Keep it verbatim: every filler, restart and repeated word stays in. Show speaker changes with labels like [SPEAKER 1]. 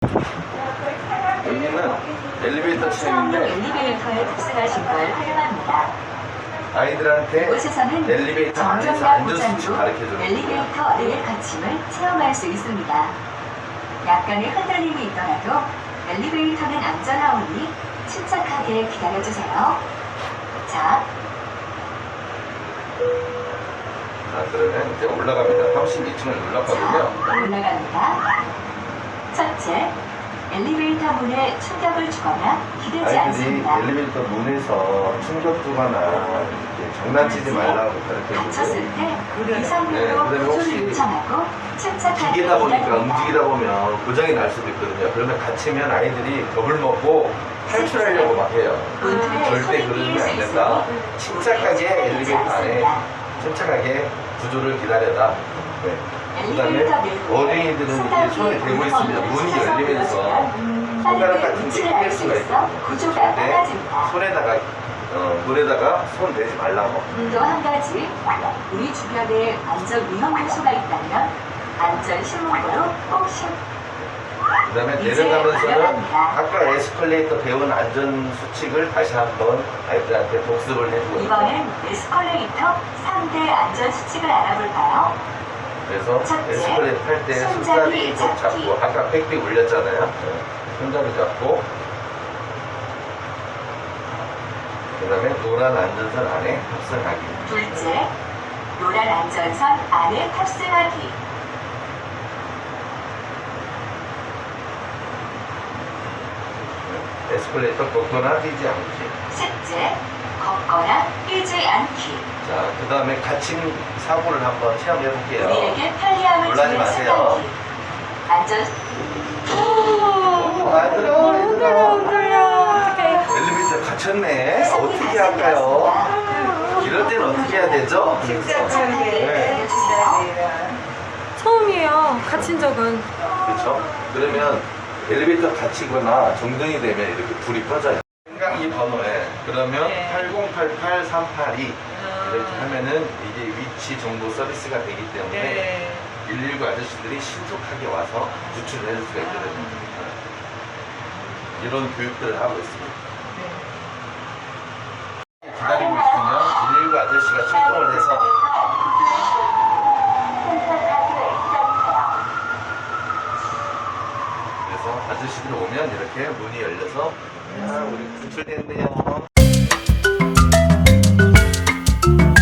[SPEAKER 1] 여기는 엘리베이터
[SPEAKER 2] 처음으로
[SPEAKER 1] 체험인데
[SPEAKER 2] 엘리베이터에 탑승하신 걸 환영합니다.
[SPEAKER 1] 아이들한테
[SPEAKER 2] 이곳에서는
[SPEAKER 1] 엘리베이터 안에서
[SPEAKER 2] 정전과
[SPEAKER 1] 안전 수칙
[SPEAKER 2] 보장으로
[SPEAKER 1] 가르쳐줘요.
[SPEAKER 2] 엘리베이터 내 거침을 체험할 수 있습니다. 약간의 흔들림이 있더라도 엘리베이터는 안전하오니 침착하게 기다려주세요. 자,
[SPEAKER 1] 자, 그러면 이제 올라갑니다. 삼십이 층을
[SPEAKER 2] 자,
[SPEAKER 1] 올랐거든요.
[SPEAKER 2] 올라갑니다. 첫째, 엘리베이터 문에 충격을 주거나 기대지
[SPEAKER 1] 아이들이
[SPEAKER 2] 않습니다.
[SPEAKER 1] 엘리베이터 문에서 충격 주거나 이렇게 장난치지 말라고
[SPEAKER 2] 다쳤을
[SPEAKER 1] 가르쳐주고,
[SPEAKER 2] 때
[SPEAKER 1] 네,
[SPEAKER 2] 이상으로
[SPEAKER 1] 그다음에
[SPEAKER 2] 구조를
[SPEAKER 1] 혹시
[SPEAKER 2] 요청하고 침착하게
[SPEAKER 1] 기계다 보니까
[SPEAKER 2] 기다립니다.
[SPEAKER 1] 움직이다 보면 고장이 날 수도 있거든요. 그러면 다치면 아이들이 겁을 먹고 탈출하려고 막 해요.
[SPEAKER 2] 문틀에
[SPEAKER 1] 절대
[SPEAKER 2] 손이
[SPEAKER 1] 그러면
[SPEAKER 2] 끼일 수
[SPEAKER 1] 안 된다.
[SPEAKER 2] 있으니
[SPEAKER 1] 침착하게
[SPEAKER 2] 기대지
[SPEAKER 1] 엘리베이터 안에
[SPEAKER 2] 않습니다.
[SPEAKER 1] 침착하게 구조를 기다려라. 네. 그 다음에
[SPEAKER 2] 엘리베이터 내부에
[SPEAKER 1] 어린이들은 이게 손에 대고 있습니다. 문이 열리면서 손가락 같은 게 끼일 수가 있거든요.
[SPEAKER 2] 구조가
[SPEAKER 1] 절대
[SPEAKER 2] 빨라집니다.
[SPEAKER 1] 손에다가 어, 물에다가 손 대지 말라고.
[SPEAKER 2] 또 한 가지, 우리 주변에 안전 위험 요소가 있다면 안전 신문고로 꼭 신.
[SPEAKER 1] 그 다음에
[SPEAKER 2] 이제
[SPEAKER 1] 내려가면서는
[SPEAKER 2] 올라갑니다.
[SPEAKER 1] 아까 에스컬레이터 배운 안전 수칙을 다시 한번 아이들한테 복습을 해주고
[SPEAKER 2] 이번엔 에스컬레이터 삼 대 안전 수칙을 알아볼까요?
[SPEAKER 1] 그래서
[SPEAKER 2] 첫째,
[SPEAKER 1] 에스컬레이터 탈 때
[SPEAKER 2] 손잡이
[SPEAKER 1] 손잡이 꼭
[SPEAKER 2] 잡기.
[SPEAKER 1] 잡고 아까 빽빽 올렸잖아요. 네. 손잡이 잡고 그 다음에 노란 안전선 안에 탑승하기.
[SPEAKER 2] 둘째, 노란 안전선 안에 탑승하기.
[SPEAKER 1] 네. 에스컬레이터 걷거나 뛰지 않기.
[SPEAKER 2] 셋째, 걷거나 뛰지 않기.
[SPEAKER 1] 자, 그 다음에 갇힌 사고를 한번 체험해 볼게요.
[SPEAKER 2] 우리에게 편리함을
[SPEAKER 1] 놀라지
[SPEAKER 2] 주는
[SPEAKER 1] 마세요.
[SPEAKER 2] 순간기. 안전
[SPEAKER 1] 아들아, 얘들아.
[SPEAKER 3] 어떡해.
[SPEAKER 1] 엘리베이터 갇혔네. 어떻게 할까요? 이럴 때는 어떻게 해야 되죠? 네.
[SPEAKER 3] 처음이에요. 갇힌 적은.
[SPEAKER 1] 그렇죠? 그러면 엘리베이터 갇히거나 정등이 되면 이렇게 불이 꺼져요. 생강이 번호에 그러면
[SPEAKER 3] 네.
[SPEAKER 1] 팔공팔팔 삼팔이 이렇게 하면은 이게 위치 정보 서비스가 되기 때문에
[SPEAKER 3] 네.
[SPEAKER 1] 일일구 아저씨들이 신속하게 와서 구출을 해줄 수가 있거든요. 이런 교육들을 하고 있습니다. 기다리고 있으면 일일구 아저씨가 출동을 해서 그래서 아저씨들 오면 이렇게 문이 열려서 야, 우리 구출됐네요.